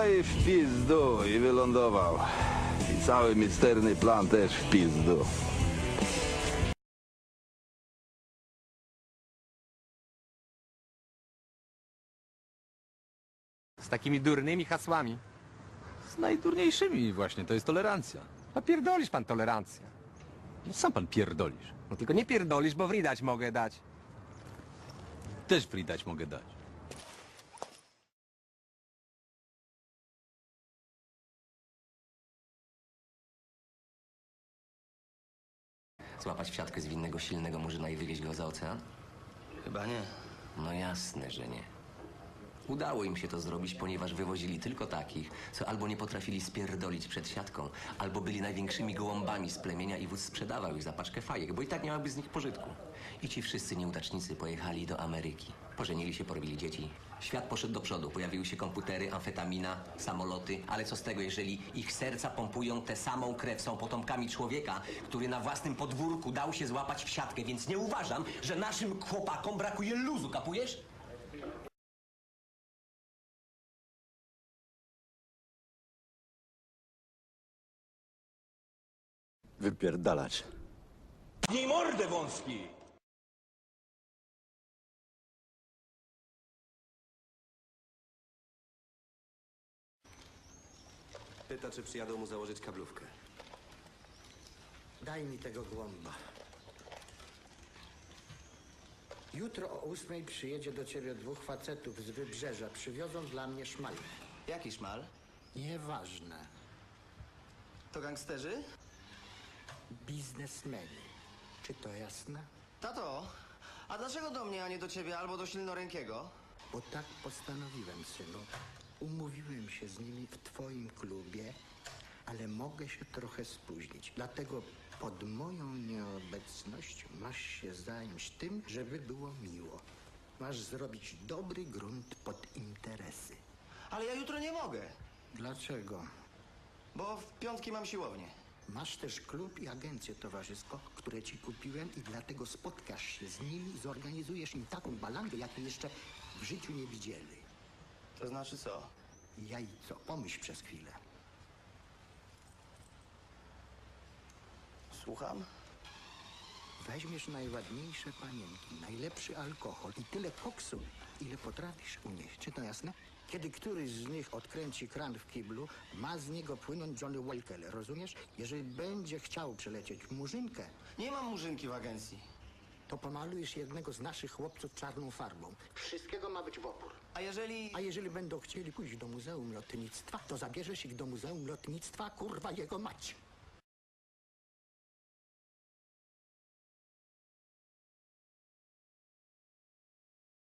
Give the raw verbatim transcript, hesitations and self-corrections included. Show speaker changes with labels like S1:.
S1: i w pizdu i wylądował. I cały misterny plan też w pizdu.
S2: Z takimi durnymi hasłami.
S3: Z najdurniejszymi właśnie, to jest tolerancja.
S2: No pierdolisz pan tolerancję.
S3: No sam pan pierdolisz.
S2: No tylko nie pierdolisz, bo wridać mogę dać.
S3: Też free mogę dać.
S4: Złapać w siatkę zwinnego, silnego murzyna i wywieźć go za ocean?
S5: Chyba nie.
S4: No jasne, że nie. Udało im się to zrobić, ponieważ wywozili tylko takich, co albo nie potrafili spierdolić przed siatką, albo byli największymi gołąbami z plemienia i wódz sprzedawał ich za paczkę fajek, bo i tak nie miałaby z nich pożytku. I ci wszyscy nieudacznicy pojechali do Ameryki. Pożenili się, porobili dzieci. Świat poszedł do przodu, pojawiły się komputery, amfetamina, samoloty, ale co z tego, jeżeli ich serca pompują tę samą krew, są potomkami człowieka, który na własnym podwórku dał się złapać w siatkę, więc nie uważam, że naszym chłopakom brakuje luzu, kapujesz?
S6: Wypierdalać.
S1: Nie mordę wąski!
S5: Pyta, czy przyjadą mu założyć kablówkę.
S7: Daj mi tego głąba. Jutro o ósmej przyjedzie do ciebie dwóch facetów z wybrzeża. Przywiozą dla mnie szmal.
S5: Jaki szmal?
S7: Nieważne.
S5: To gangsterzy?
S7: Biznesmeni. Czy to jasne?
S5: Tato, a dlaczego do mnie, a nie do ciebie albo do silnorękiego?
S7: Bo tak postanowiłem, synu. Umówiłem się z nimi w twoim klubie, ale mogę się trochę spóźnić. Dlatego pod moją nieobecność masz się zająć tym, żeby było miło. Masz zrobić dobry grunt pod interesy.
S5: Ale ja jutro nie mogę,
S7: Dlaczego?
S5: bo w piątki mam siłownię.
S7: Masz też klub i agencję towarzysko, które ci kupiłem i dlatego spotkasz się z nimi, zorganizujesz im taką balangę, jakiej jeszcze w życiu nie widzieli.
S5: To znaczy co?
S7: Jajco, pomyśl przez chwilę.
S5: Słucham?
S7: Weźmiesz najładniejsze panienki, najlepszy alkohol i tyle koksu, ile potrafisz unieść. Czy to jasne? Kiedy któryś z nich odkręci kran w kiblu, ma z niego płynąć Johnny Walker, rozumiesz? Jeżeli będzie chciał przelecieć murzynkę,
S5: Nie mam murzynki w agencji.
S7: to pomalujesz jednego z naszych chłopców czarną farbą. Wszystkiego ma być w opór.
S5: A jeżeli...
S7: A jeżeli będą chcieli pójść do Muzeum Lotnictwa, to zabierzesz ich do Muzeum Lotnictwa, kurwa jego mać.